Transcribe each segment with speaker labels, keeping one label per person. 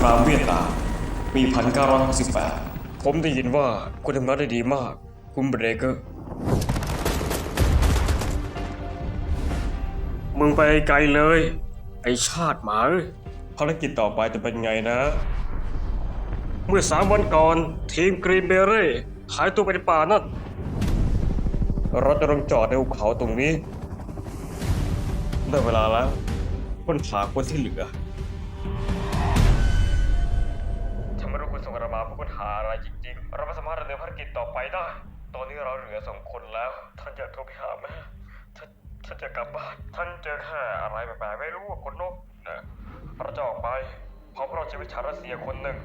Speaker 1: รามเวียดนามปี 1968 ผมได้ยินว่าคุณทำงานได้ดีมากคุณเบรเกอร์มึงไปไกลเลยไอชาติหมาภารกิจต่อไปจะเป็นไงนะเมื่อ3 วันก่อนทีมกรีนเบเร่หายตัวไปในป่านั่นเราจะลงจอดในภูเขาตรงนี้ได้เวลาแล้วค้นหาคนที่เหลือฉันไม่รู้คุณส่งเรามาเพื่อค้นหาอะไรจริงๆเราไม่สามารถดำเนินภารกิจต่อไปได้ตอนนี้เราเหลือ2 คนแล้วท่านอยากโทรไปหาแม่ท่านจะกลับบ้านท่านเจอแค่อะไรแปลกๆไม่รู้ว่าคนนกนะเราจะออกไปเพราะเราชีวิตชาวรัสเซียคนหนึ่ง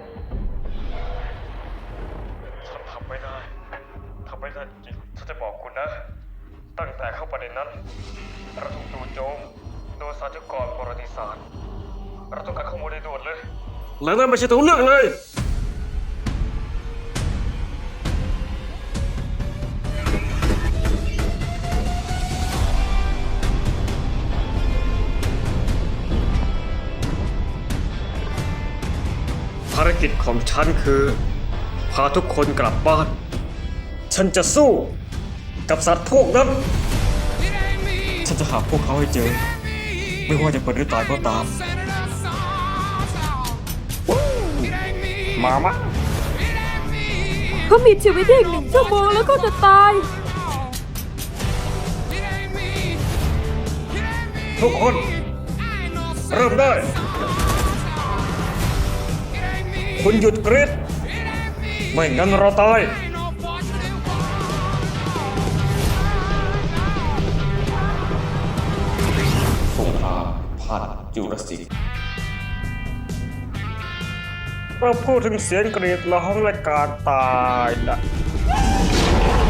Speaker 1: ฉันทำไม่ได้จริงฉันจะบอกคุณนะตั้งแต่เข้าประเด็นนั้นเราถูกจู่โจมโดยสาธกรประวัติศาสตร์เราต้องการข้อมูลโดยด่วนเลยแล้วนั่นไม่ใช่ตัวเลือกเลยภารกิจของฉันคือพาทุกคนกลับบ้านฉันจะสู้กับสัตว์พวกนั้นฉันจะหาพวกเขาให้เจอไม่ว่าจะเป็นหรือตายก็ตามมามะ
Speaker 2: เขามีชีวิตอีก1 ชั่วโมงแล้วก็จะตาย
Speaker 1: ทุกคนเริ่มได้คุณหยุดกรีดไม่งั้นเราตายสงครามผ่านจูราสสิกเราพูดถึงเสียงกรีดร้องและการตายนะ